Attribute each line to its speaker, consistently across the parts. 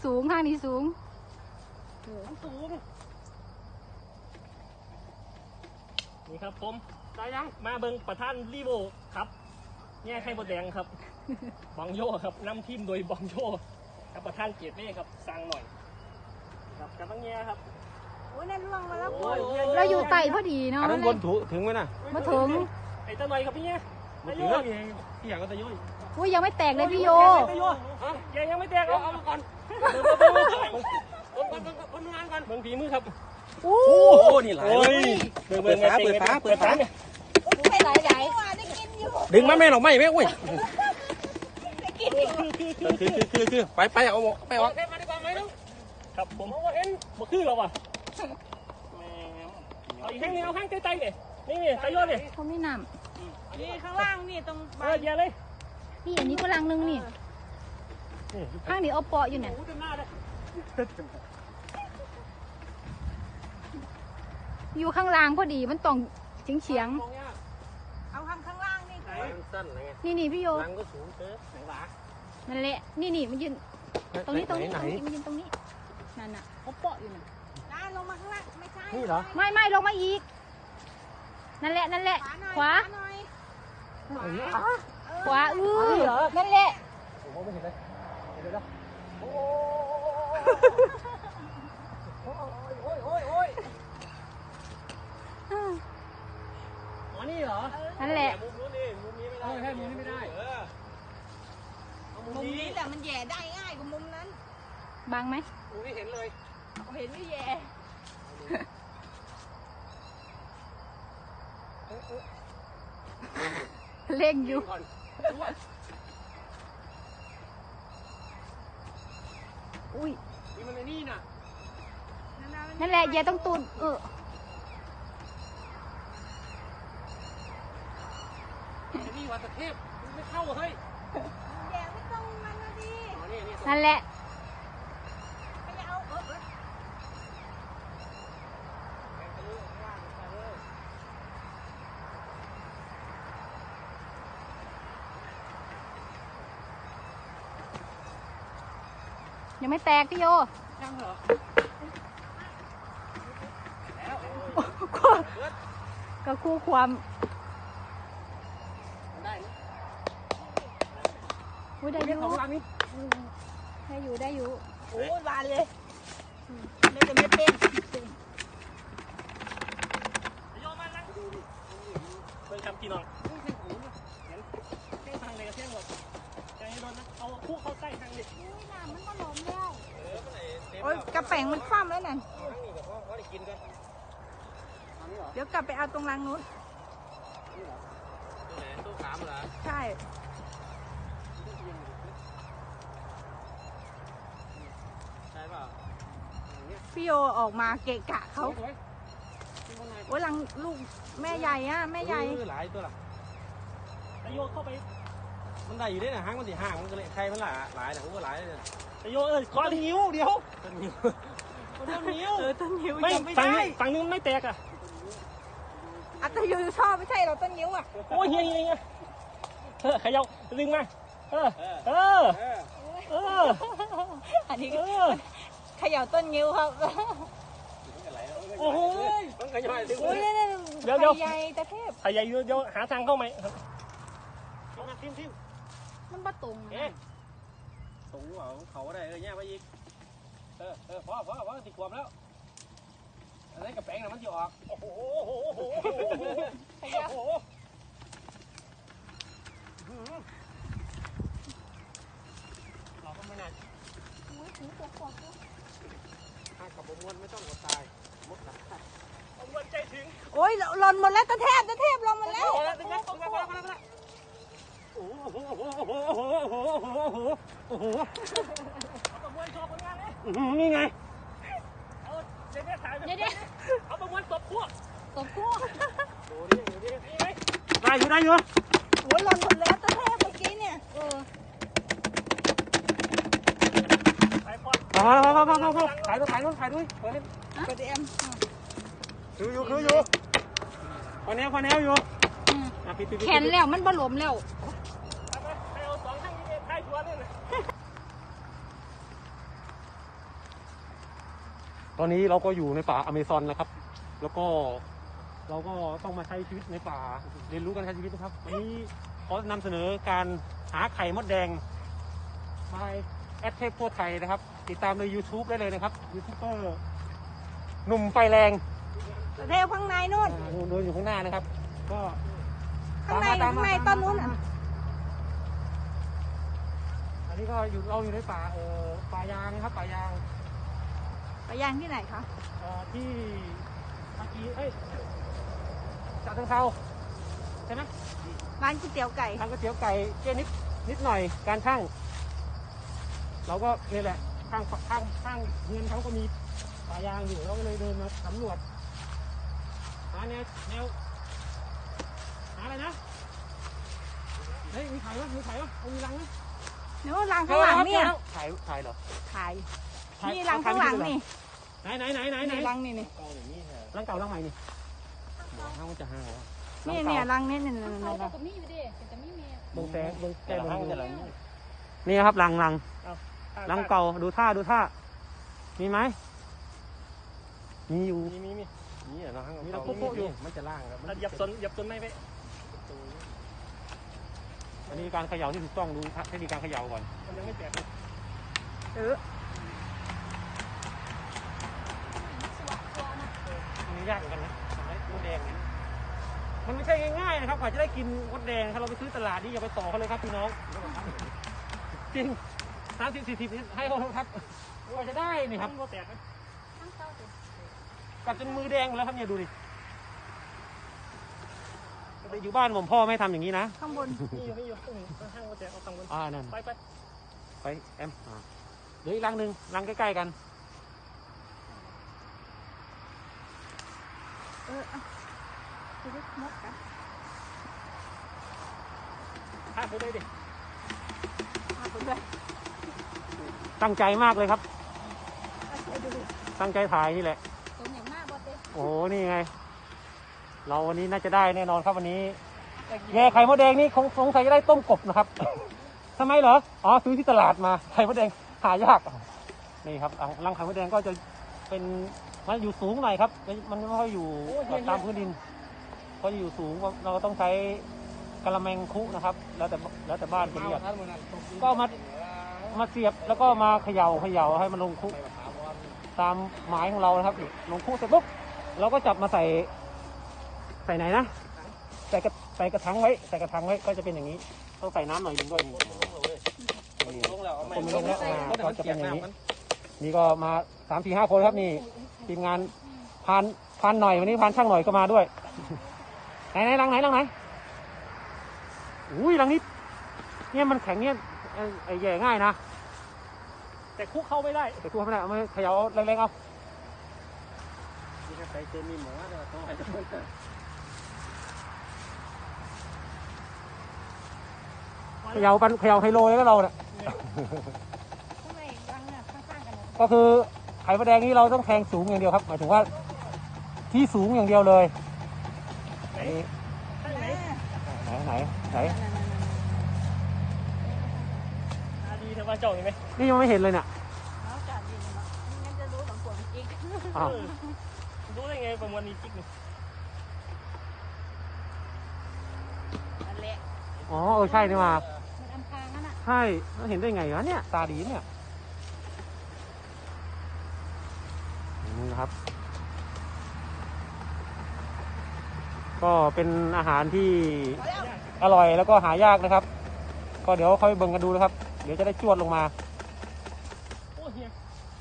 Speaker 1: สูงข้างนี้สูง
Speaker 2: สูงนี่ครับผมได้ยังมาเบิ่งประธานรีโวครับแง่ไข่บดแดงครับบองโย่ครับนำทีมโดยบองโย่กับประธานเกียรติเมฆครับสั่งหน่อยครับกับบังแง่ครับ
Speaker 3: โอ้ยนั่นล่วงมาแล้ว
Speaker 1: เราอยู่ไต่พอดีเนาะ
Speaker 4: อันนั้นบนถึงไหมน่ะ
Speaker 1: มาถึง
Speaker 2: ไอ้ตะหน่อยครับพี่แง่
Speaker 4: มาถึงพี่อย่างก็ตะยุย
Speaker 1: อุ้ยยังไม่แตกเลยพี่โย
Speaker 2: ยังไม่แตกเอามาก่อนคนงานกันเบิ่งฝีมือครับ
Speaker 1: โอ้
Speaker 4: โหนี่หลายเปิดฟ้าเนี่ย
Speaker 3: ไม่ไหลได้
Speaker 4: ดึงมาแม่หรอกไม่แม่อุ้ยคือไปเอาไปออก
Speaker 2: มาดีกว่าไหมลูกครับผมเห็นบ่คือเราอ่ะเอาอีกแข้งนึงเอาแข้งใกล้ๆเนี่ยนี่ใส่ยอดเลย
Speaker 1: เขาไม่น
Speaker 3: ำนี่ข้างล่างนี่ตรง
Speaker 2: เยอะเลย
Speaker 1: นี่อันนี้ก็ลังนึงนี่ข้างนี้เอาเปาะอยู่เนี่ยอยู่ข้างล่างพอดีมันต้องเฉียง
Speaker 3: เอาข้างล่างนี่
Speaker 1: นี่พี่โย
Speaker 4: ลังก็สูงเกินไหนวะ
Speaker 1: นั่นแหละนี่มันยืนตรงนี้มันยืนตรงนี้นั่นน่ะเขาเปาะอยู่น่ะ
Speaker 3: ลงมาข้างล่างไม่ใช่
Speaker 4: นี่เหรอ
Speaker 1: ไม่ลงมาอีกนั่นแหละขวานั่นแหละ
Speaker 4: ผมไม่เห็นเลยเดี๋ยวโอ้ย
Speaker 2: อ๋อนี่เหรอ
Speaker 1: นั่นแหละ
Speaker 2: มุมนู้นนี่มุมนี้ไม่ได้ใช่มุมนี้ไม่ได้
Speaker 3: มุมนี้แต่มันแย่ได้ง่ายกว่ามุมนั้น
Speaker 1: บังไหม
Speaker 2: มุมนี้เห็นเลย
Speaker 3: เห็นไม่แย่
Speaker 1: เล่งอยู่อุ้ย
Speaker 2: นี่มันในนี่น่ะ
Speaker 1: นั่นแหละอย่าต้องตูน
Speaker 2: นี่วัดตะเทพไม่เข้าเฮ้ย
Speaker 3: แย่ไม่ต้องมันนะดิ
Speaker 1: นั่นแหละ
Speaker 3: ไม่เอา
Speaker 1: ยังไม่แตกพี่โย
Speaker 2: ยังเหรอ
Speaker 1: ก็คู่ความ
Speaker 2: ได้
Speaker 1: ได้อยู่
Speaker 2: ของรังนี้
Speaker 1: ได้อยู่
Speaker 3: โอ้ยบานเลยไม่จะไม่เป็น
Speaker 2: โยมานั่งดูดิเพิ่งทำกี่น้องเส้นทางเลยกับเส้นหมดใจโดนนะเอาคู่เข้าใต้ทางดิ
Speaker 3: น้ำมันก็ล้มแล้วโอ้ยกระแป้งมันคว่ำแล้วนั่นเดี๋ยวกลับไปเอาตรงรังนู้น
Speaker 4: ตู้ขามเหรอ
Speaker 3: ใช่
Speaker 4: ป่ะ
Speaker 3: พี่โยออกมาเกะกะเขาโอ้ยรังลูกแม่ใหญ่อะแม่ใหญ่
Speaker 4: หลายตัวล่ะ
Speaker 2: ตะโยเข้าไป
Speaker 4: มันได้อยู่ด้วยนะห้างมันสิห้างมันก็เลยใครมันหลายนะโอ้หลายเลย
Speaker 2: ตะโยขอนิ้วเดียว
Speaker 4: ต้นนิ้ว
Speaker 3: ต้นนิ้ว
Speaker 2: ไม่ฝั่งนึงไม่แตกอ่ะ
Speaker 3: อัตยูชอบไม่ใช่เราต้นนิ้วอ่ะ
Speaker 2: โอ้ยเฮียขยับดึงมา
Speaker 3: อันนี้ขยับต้นนิ้วครับ
Speaker 2: โอ้โห
Speaker 3: เดี๋ยวใหญ่ตะเทพ
Speaker 2: ไข่ใหญ่เดี๋ยวหาทางเข้าไหมทิม
Speaker 1: มันประตู
Speaker 4: ตรงว่าเขาได้เนี่ยไปอีกพอติดความแล้วอันนี้กระแป้งน่ะมันจะออก
Speaker 2: โอ้โหเราก็ไม่น่า
Speaker 4: ถ้ากับผมวนไม่ต้องกดตายมดตาย
Speaker 2: วนใจถึง
Speaker 3: โอ้ยหล่นหมดแล้วตะเทพลงหมดแล้ว
Speaker 2: โอ้โหประมวลโชว์ผลงานเลย
Speaker 4: นี่ไง
Speaker 2: เอาเดี๋ยวเอาประมวลตบพวก
Speaker 4: ได้อยู่
Speaker 3: โอ้ยหล่นหมดแล้วตะเทพเมื่อกี้เนี่ย
Speaker 4: พอถ่ายด้วยเปิด
Speaker 3: เอ็ม
Speaker 4: คืออยู่พอแนวอยู่
Speaker 1: แขนแล้วมันบล้มแล้ว
Speaker 5: อนนี้เราก็อยู่ในป่าอเมซอนนะครับ แล้วก็เราก็ต้องมาใช้ชีวิตในป่าเรียนรู้การใช้ชีวิตนะครับวันนี้ขอนำเสนอการหาไข่มดแดงมาแอดเทพทั่วไทยนะครับ ติดตามใน YouTube ได้เลยนะครับยูทูบเบอร์หนุ่มไฟแรง
Speaker 3: เทวข้างในนู่น
Speaker 5: เดินอยู่ข้างหน้านะครับ ก็
Speaker 3: ข้างใน
Speaker 5: ตมม
Speaker 3: ข้างใน
Speaker 5: ตมม
Speaker 3: ต้นนู้นอ่ะ
Speaker 5: อันนี้ก็เราอยู่ในป่าป่ายางนะครับป่ายาง
Speaker 3: ไปย่างที่ไหนคะ
Speaker 5: ที่เมื่อกี้ฉะเชิงเทราใช่ไหม
Speaker 3: ร้านก๋วยเตี๋ยวไก่
Speaker 5: ทางก๋วยเตี๋ยวไก่เจ๊นิดหน่อยการช่างเราก็นี่แหละข้างเงินเขาก็มีป่ายางอยู่เราก็เลยเดินมาสำรวจหาแนวหาอะไรนะเฮ้ยมีไข่วะเอามีรังไหม
Speaker 3: นู้นรังข้างหลังเนี่ย
Speaker 5: ถ่ายเหรอ
Speaker 3: ถ่ายนี่รังข้างหลังนี่
Speaker 5: ไหน
Speaker 3: นี่รังนี่นี่
Speaker 5: รังเก่ารังใหม่นี่ห้างมันจะห้างเหรอ
Speaker 3: นี่รังนี่นี่
Speaker 1: เขา
Speaker 3: รัง
Speaker 1: ก็มีอยู่ดิแต่ไม่มี
Speaker 5: เบิ่งแสงเบิ่งแก้
Speaker 4: แต่
Speaker 5: เบิ่
Speaker 4: ห้าง
Speaker 5: ง
Speaker 4: จะหลัง
Speaker 5: นี่ครับรังรังเก่าดูท่ามีไหมมีอยู่
Speaker 2: มี
Speaker 4: นี่เหรอห้าง
Speaker 5: มีเราโป๊ะอยู่
Speaker 4: มันจะล่างครับ
Speaker 2: เหยับสนไม่ไป
Speaker 5: อันนี้การเขย่าที่ถูกต้องดูเทคนิคการเขย่าก่อน
Speaker 2: มันยังไม่แตก
Speaker 5: อันนี้ยากเหมือนกันนะทำให้มดแดงเนี่ยมันไม่ใช่ง่ายๆนะครับกว่าจะได้กินมดแดงถ้าเราไปซื้อตลาดนี่อย่าไปต่อเขาเลยครับพี่น้องจริง30-40ให้เขาครับกว่าจะได้นี่ครับ
Speaker 2: มันแตก
Speaker 5: กัดจนมือแดงหมดแล้วครับเนี่ยดูดิแต่อยู่บ้านผมพ่อไม่ทำอย่างนี้นะ
Speaker 3: ข้างบน
Speaker 2: นี่อยู่ห้างมันแตกเอาตังค์มัน
Speaker 5: นั่น
Speaker 2: ไป
Speaker 5: แอมเดี๋ยวอีกรังหนึ่งรังใกล้ๆกัน
Speaker 3: ชีวิตมดกัน
Speaker 2: พาไปเลยดิ
Speaker 3: พาไปด้วย
Speaker 5: ตั้งใจมากเลยครับ ตั้งใจถ่ายนี่แหละ
Speaker 1: ตัวอย่างมากบอสเต้
Speaker 5: โอ้โหนี่ไง เราวันนี้น่าจะได้แน่นอนครับวันนี้แย่ไข่มดแดงนี่คงสงสัยจะได้ต้มกบนะครับ ทำไมเหรอซื้อที่ตลาดมาไข่มดแดงหายากนี่ครับรังไข่มดแดงก็จะเป็นมันอยู่สูงหน่อยครับมันไม่ค่อยอยู่ตามพื้นดินเพราะอยู่สูงเราก็ต้องใช้กระแมงคุนะครับ แล้วแต่บ้านจะเรียกก็มาเสียบแล้วก็มาเขย่าให้มันลงคุตามหมายของเรานะครับลงคุเสร็จปุ๊บเราก็จับมาใส่ไหนนะใส่กระถางไว้ก็จะเป็นอย่างนี้ต้องใส่น้ำหน่อยนึงด้วย
Speaker 4: ลงแล้วเอาไม่
Speaker 5: คนไม่ลงแล้วก็จะเป็นอย่างนี้นี่ก็มา3-4-5 คนครับนี่ทีมงานพานหน่อยวันนี้พานช่างหน่อยก็มาด้วยไหนรังไหนอุ้ยรังนี้เนี่ยมันแข็งเนี่ยไอ้แย่ง่ายนะ
Speaker 2: แต่คุกเข้าไม่ได้
Speaker 5: แต่ตัวไม่ได้เอามาเขย่าแรงๆเอา
Speaker 4: นี่ก็ใส่เจมี่หมอเนี่ยต้องให้
Speaker 5: เขย่าไฮโลเลยก็เราเนี่ย
Speaker 3: ข้างในรังเนี่ยข้างๆกัน
Speaker 5: ก็คือไข่มดแดงนี้เราต้องแทงสูงอย่างเดียวครับหมายถึงว่าที่สูงอย่างเดียวเลยไหน
Speaker 2: ดีแต่ว่าเจ้าเห็นไหม
Speaker 5: นี่ยังไม่เห็นเลยเนี่ย
Speaker 3: แล้วจ่าดินงั้นจะรู้ของผมอีก
Speaker 5: อ้าว
Speaker 2: รู้ได้ไงประมวลนี้จิ๊กนี่
Speaker 3: นั่นแหละ
Speaker 5: ใช่นี่มา
Speaker 1: มันอำพรางนั่นน่ะ
Speaker 5: ใช่เห็นได้ไงวะเนี่ยตาดีเนี่ยนี่นะครับ ก็เป็นอาหารที่อร่อยแล้วก็หายากนะครับ ก็เดี๋ยวค่อยเบิ่งกันดูนะครับ เดี๋ยวจะได้จวดลงมา
Speaker 2: โอ้เฮีย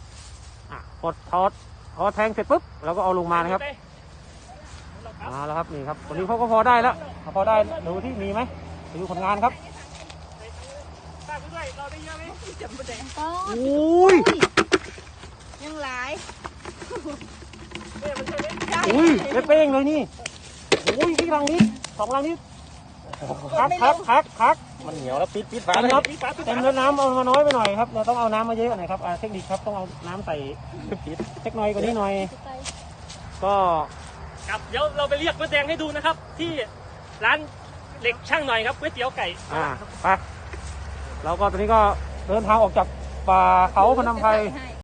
Speaker 5: พอแทงเสร็จปุ๊บเราก็เอาลงมานะครับมาแล้วครับนี่ครับวันนี้เขาก็พอได้แล้วพอได้ดูที่มีไหมดูผลงานครับ
Speaker 2: ป้าไปด้วยเราได้เยอะไหม
Speaker 3: จำประเด็น
Speaker 5: อุ้ย
Speaker 3: ยังหลาย
Speaker 2: เนี่ยมันใช่ไหม
Speaker 5: อุ้ยเป้งเลยนี่อุ้ยที่รังนี้2 รังนี้คัก
Speaker 4: มันเหนียวแล้วปิดฝา
Speaker 5: เต็ม
Speaker 4: เลย
Speaker 5: ครับเต็มแล้วน้ำเอามาน้อยไปหน่อยครับเราต้องเอาน้ำมาเยอะหน่อยครับเทคนิคครับต้องเอาน้ำใส่เล็กน้อยกว่านี้หน่อย ก็
Speaker 2: ครับเดี๋ยวเราไปเรียกมดแดงให้ดูนะครับ ที่ร้านเหล็กช่างหน่อยครับก๋วยเตี๋ยวไก่
Speaker 5: ไปเราก็ตอนนี้ก็เดินทางออกจากป่าเขาพนมไพร